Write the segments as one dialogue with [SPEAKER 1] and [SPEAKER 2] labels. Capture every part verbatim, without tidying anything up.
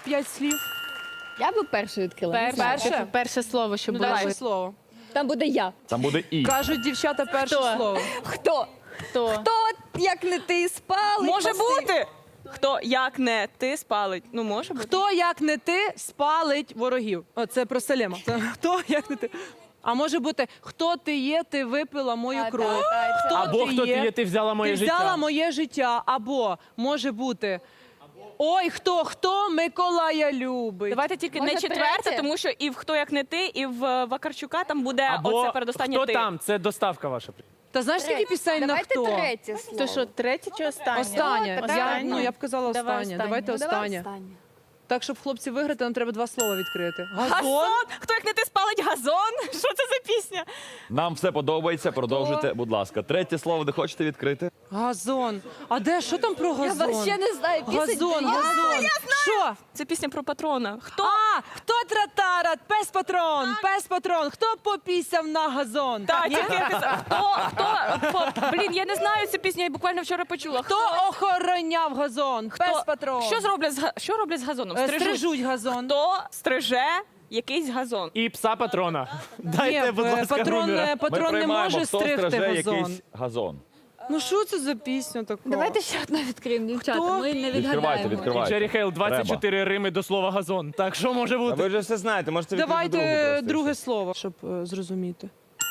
[SPEAKER 1] п'ять слів?
[SPEAKER 2] Я би першу відкрила. не
[SPEAKER 3] Перше,
[SPEAKER 2] знаю.
[SPEAKER 1] Перше?
[SPEAKER 3] перше слово, що
[SPEAKER 1] Ну,
[SPEAKER 3] було.
[SPEAKER 1] перше слово.
[SPEAKER 2] Там буде я.
[SPEAKER 4] Там буде і.
[SPEAKER 1] Кажуть дівчата перше
[SPEAKER 3] Хто?
[SPEAKER 1] слово.
[SPEAKER 2] Хто?
[SPEAKER 3] Хто?
[SPEAKER 2] Хто, як не ти, спалить?
[SPEAKER 5] Може
[SPEAKER 2] Василь?
[SPEAKER 5] бути. Хто, як не ти, спалить. Ну, може бути.
[SPEAKER 1] Хто, як не ти, спалить ворогів? О, це про Салема. Це хто, як не ти? А може бути, хто ти є, ти випила мою
[SPEAKER 2] Та,
[SPEAKER 1] кров.
[SPEAKER 2] та, та,
[SPEAKER 1] Хто
[SPEAKER 2] це-
[SPEAKER 6] Або хто ти є, ти взяла моє
[SPEAKER 1] ти
[SPEAKER 6] життя.
[SPEAKER 1] взяла моє життя. Або може бути. Ой, хто, хто Миколая любить.
[SPEAKER 5] Давайте тільки
[SPEAKER 2] Може,
[SPEAKER 5] не четверте,
[SPEAKER 2] третє?
[SPEAKER 5] тому що і в хто як не ти, і в е, Вакарчука там буде
[SPEAKER 6] Або
[SPEAKER 5] оце передостаннє
[SPEAKER 6] хто
[SPEAKER 5] ти.
[SPEAKER 6] там? Це доставка ваша.
[SPEAKER 1] Та знаєш, скільки пісень на
[SPEAKER 2] Давайте
[SPEAKER 1] хто?
[SPEAKER 2] третє слово.
[SPEAKER 3] То що, третє чи останнє?
[SPEAKER 1] Останнє.
[SPEAKER 2] О, така
[SPEAKER 1] Я,
[SPEAKER 3] останнє.
[SPEAKER 1] ну, я б казала
[SPEAKER 3] Давай
[SPEAKER 1] останнє.
[SPEAKER 3] останнє.
[SPEAKER 1] Давайте
[SPEAKER 2] Ну, давай
[SPEAKER 1] останнє.
[SPEAKER 2] останнє.
[SPEAKER 1] Так, щоб хлопці виграти, нам треба два слова відкрити. Газон.
[SPEAKER 5] Газон? Хто як не ти, спалить газон? Що це за пісня?
[SPEAKER 4] Нам все подобається, продовжуйте, будь ласка. Третє слово, де хочете відкрити?
[SPEAKER 1] Газон. А де, що там про
[SPEAKER 2] Я
[SPEAKER 1] газон?
[SPEAKER 2] взагалі не знаю. пісень
[SPEAKER 1] Газон,
[SPEAKER 2] для-
[SPEAKER 1] газон. Що?
[SPEAKER 5] Це пісня про патрона. Хто?
[SPEAKER 1] А, хто тратара? Пес патрон, пес патрон. Хто попісяв на газон?
[SPEAKER 5] Та,
[SPEAKER 1] Ні?
[SPEAKER 5] тільки хто, хто, по- блін, я не знаю цю пісню, я буквально вчора почула.
[SPEAKER 1] Хто охороняв газон? Пес патрон.
[SPEAKER 5] Що зроблять з га- що роблять з газоном?
[SPEAKER 1] Е,
[SPEAKER 5] Стрижуть.
[SPEAKER 1] Стрижуть газон.
[SPEAKER 5] Хто стриже якийсь газон?
[SPEAKER 6] І пса патрона. Дайте,
[SPEAKER 1] Ні,
[SPEAKER 6] будь
[SPEAKER 1] е,
[SPEAKER 6] ласка,
[SPEAKER 1] патрон,
[SPEAKER 6] Рубера.
[SPEAKER 1] е,
[SPEAKER 4] Ми
[SPEAKER 1] патрон не
[SPEAKER 4] приймаємо,
[SPEAKER 1] може
[SPEAKER 4] хто
[SPEAKER 1] стригти
[SPEAKER 4] стриже
[SPEAKER 1] газон.
[SPEAKER 4] якийсь газон.
[SPEAKER 1] Ну що це за пісня така?
[SPEAKER 2] Давайте ще одну відкриємо, дівчата.
[SPEAKER 1] Хто?
[SPEAKER 2] Ми не
[SPEAKER 4] Відкривайте,
[SPEAKER 2] відгадаємо.
[SPEAKER 4] відкривайте.
[SPEAKER 6] Джері Хейл, двадцять чотири рими до слова газон. Так що може
[SPEAKER 7] А ви
[SPEAKER 6] бути?
[SPEAKER 7] вже все знаєте, можете відкрити другу
[SPEAKER 1] Давайте
[SPEAKER 7] просто, і
[SPEAKER 1] друге
[SPEAKER 7] все.
[SPEAKER 1] слово, щоб е, зрозуміти.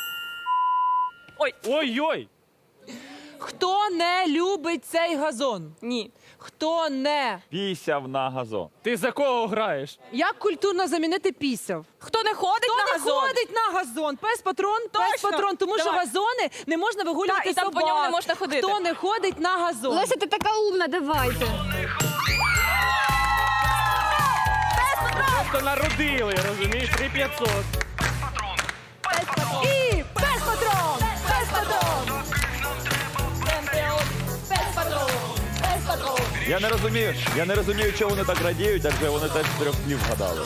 [SPEAKER 6] Ой-ой!
[SPEAKER 1] Хто не любить цей газон?
[SPEAKER 5] Ні.
[SPEAKER 1] Хто не?
[SPEAKER 4] Пісяв на газон.
[SPEAKER 6] Ти за кого граєш?
[SPEAKER 1] Як культурно замінити пісяв?
[SPEAKER 5] Хто не ходить
[SPEAKER 1] Хто
[SPEAKER 5] на
[SPEAKER 1] не
[SPEAKER 5] газон?
[SPEAKER 1] ходить на газон? Пес патрон, пес
[SPEAKER 5] Точно.
[SPEAKER 1] патрон, тому що
[SPEAKER 5] Давай.
[SPEAKER 1] газони не можна вигулювати
[SPEAKER 5] Так, і там по
[SPEAKER 1] собак.
[SPEAKER 5] ньому не можна ходити.
[SPEAKER 1] Хто не ходить на газон?
[SPEAKER 2] Леся, ти така умна, давайте.
[SPEAKER 6] Просто народили, розумієш? три п'ятсот.
[SPEAKER 1] І пес патрон! Пес патрон!
[SPEAKER 4] Я не розумію, я не розумію, чого вони так радіють, адже вони теж з трьох слів вгадали.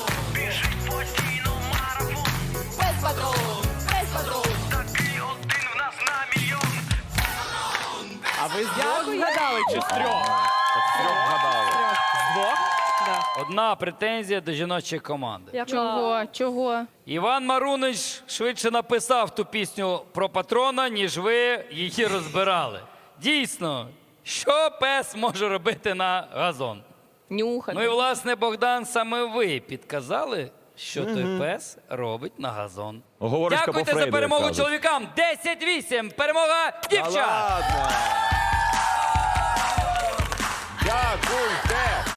[SPEAKER 6] А ви з двох вгадали чи з трьох?
[SPEAKER 4] Так з трьох вгадали.
[SPEAKER 6] З двох?
[SPEAKER 8] Одна претензія до жіночої команди.
[SPEAKER 3] Чого? Чого?
[SPEAKER 8] Іван Марунич швидше написав ту пісню про патрона, ніж ви її розбирали. Дійсно, що пес може робити на газон?
[SPEAKER 5] Нюхати.
[SPEAKER 8] Ну і, власне, Богдан, саме ви підказали, що той пес робить на газон.
[SPEAKER 4] Оговорочка по
[SPEAKER 8] Дякуйте за
[SPEAKER 4] Фрейду, як
[SPEAKER 8] перемогу
[SPEAKER 4] кажуть.
[SPEAKER 8] чоловікам. десять вісім. Перемога
[SPEAKER 7] Та
[SPEAKER 8] дівчат!
[SPEAKER 7] ладно. Дякуйте.